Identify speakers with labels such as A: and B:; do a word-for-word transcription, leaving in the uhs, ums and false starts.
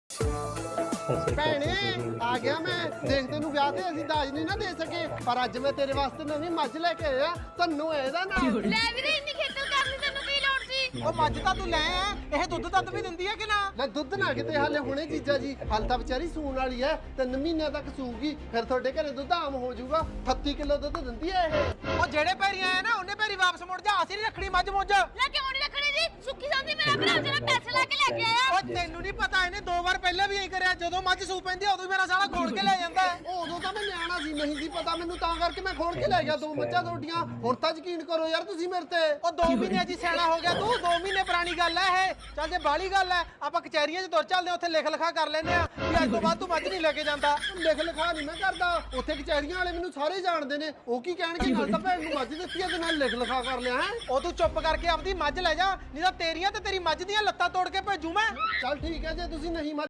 A: ਭੈਣੇ ਆ ਗਿਆ ਮੈਂ ਦੇਖ ਤੈਨੂੰ ਵਿਆਹ ਤੇ ਅਸੀਂ ਦਾਜ ਨਹੀਂ ਨਾ ਦੇ ਸਕੇ ਪਰ ਅੱਜ ਮੈਂ ਤੇਰੇ ਵਾਸਤੇ ਨਵੀਂ ਮੱਝ ਲੈ ਕੇ ਆਇਆ ਤੈਨੂੰ ਇਹਦਾ ਨਾਮ
B: ਲੈ ਵੀਰੇ ਇੰਨੀ ਖੇਤਲ ਕਰਨੀ ਤੈਨੂੰ ਕੀ ਲੋੜ ਸੀ?
C: ਉਹ ਮੱਝ ਤਾਂ ਤੂੰ ਲੈ ਆ ਇਹ ਦੁੱਧ ਦੱਧ ਵੀ ਦਿੰਦੀ ਹੈ ਕਿ ਨਾ?
A: ਲੈ ਦੁੱਧ ਨਾ ਕਿਤੇ ਹਾਲੇ ਹੁਣੇ ਜੀਜਾ ਜੀ ਹਾਲ ਤਾਂ ਵਿਚਾਰੀ ਸੂਣ ਵਾਲੀ ਐ ਤਿੰਨ ਮਹੀਨਿਆਂ ਤੱਕ ਸੂਗੀ ਫਿਰ ਤੁਹਾਡੇ ਘਰੇ ਦੁੱਧ ਆਮ ਹੋ ਜਾਊਗਾ ਅਠੱਤੀ ਕਿਲੋ ਦੁੱਧ ਦਿੰਦੀ ਐ ਇਹ
C: ਉਹ ਜਿਹੜੇ ਪੈਰੀ ਆਇਆ ਨਾ ਉਹਨੇ ਪੈਰੀ ਵਾਪਸ ਮੁੜ ਜਾ ਅਸੀਂ ਨਹੀਂ ਰੱਖਣੀ ਮੱਝ ਮੁੱਝ।
B: ਲੈ ਕਿਉਂ ਨਹੀਂ ਰੱਖਣੀ ਜੀ? ਸੁੱਖੀ ਸੰਦੀ ਮੇਰਾ ਭਰਾ ਜਿਹੜਾ ਪੈਸੇ ਲਾ ਕੇ ਲੈ ਕੇ ਆਇਆ।
C: ਉਹ ਤੈਨੂੰ ਨਹੀਂ ਪਤਾ ਇਹਨੇ ਦੋ ਵਾਰ ਪਹਿਲਾਂ ਵੀ ਐਂ ਕਰਿਆ ਜਦੋਂ ਮੱਝ ਸੂ ਪੈਂਦੀ ਉਦੋਂ ਮੇਰਾ ਸਾਲਾ ਖੋਲ ਕੇ ਲੈ ਜਾਂਦਾ।
A: ਉਦੋਂ ਤਾਂ ਮੈਂ ਨਿਆਣਾ ਸੀ ਨਹੀਂ ਸੀ ਪਤਾ ਮੈਨੂੰ ਤਾਂ ਕਰਕੇ ਮੈਂ ਖੋਲ ਕੇ ਲੈ ਗਿਆ ਦੋ ਮੱਝਾਂ ਤੁਹਾਡੀਆਂ ਹੁਣ ਤਾਂ ਯਕੀਨ ਕਰੋ ਯਾਰ ਤੁਸੀਂ ਮੇਰੇ ਤੇ
C: ਉਹ ਦੋ ਮਹੀਨੇ ਜੀ ਸਿਆਣਾ ਹੋ ਗਿਆ ਤੂੰ ਦੋ ਮਹੀਨੇ ਪੁਰਾਣੀ ਗੱਲ ਐ ਇਹ। ਚੱਲ ਜੇ ਬਾਹਲੀ ਗੱਲ ਐ ਆਪਾਂ ਕਚਹਿਰੀਆਂ 'ਚ ਤੁਰ ਚੱਲਦੇ ਉੱਥੇ ਲਿਖ ਲਿਖਾ ਕਰ ਲੈਨੇ ਆ ਵੀ ਅੱਜ ਤੋਂ ਬਾਅਦ ਤੂੰ ਮੱਝ ਨਹੀਂ ਲੈ ਕੇ ਜਾਂਦਾ।
A: ਲਿਖ ਲਿਖਾ ਨਹੀਂ ਮੈਂ ਕਰਦਾ ਉੱਥੇ ਕਚਹਿਰੀਆਂ ਵਾਲੇ ਮੈਨੂੰ ਸਾਰੇ ਜਾਣਦੇ ਨੇ ਉਹ ਕੀ ਕਹਿਣਗੇ ਨਾਲ ਤਾਂ ਭੈਣ ਨੂੰ ਮੱਝ ਦਿੱਤੀ ਆ ਤੇ ਨਾਲ ਲਿਖ ਲਿਖਾ ਕਰ ਲਿਆ ਹੈ
C: ਉਹ ਤੂੰ ਚੁੱਪ ਕਰਕੇ ਆਪਦੀ ਮੱਝ ਲੈ ਜਾ ਨਹੀਂ ਤਾਂ ਤੇਰੀਆਂ ਤੇ ਤੇਰੀ ਮੱਝ ਦੀਆਂ ਲੱਤਾਂ ਤੋੜ ਕੇ ਭੇਜੂ ਮੈਂ।
A: ਚੱਲ ਠੀਕ ਹੈ ਜੇ ਤੁਸੀਂ ਨਹੀਂ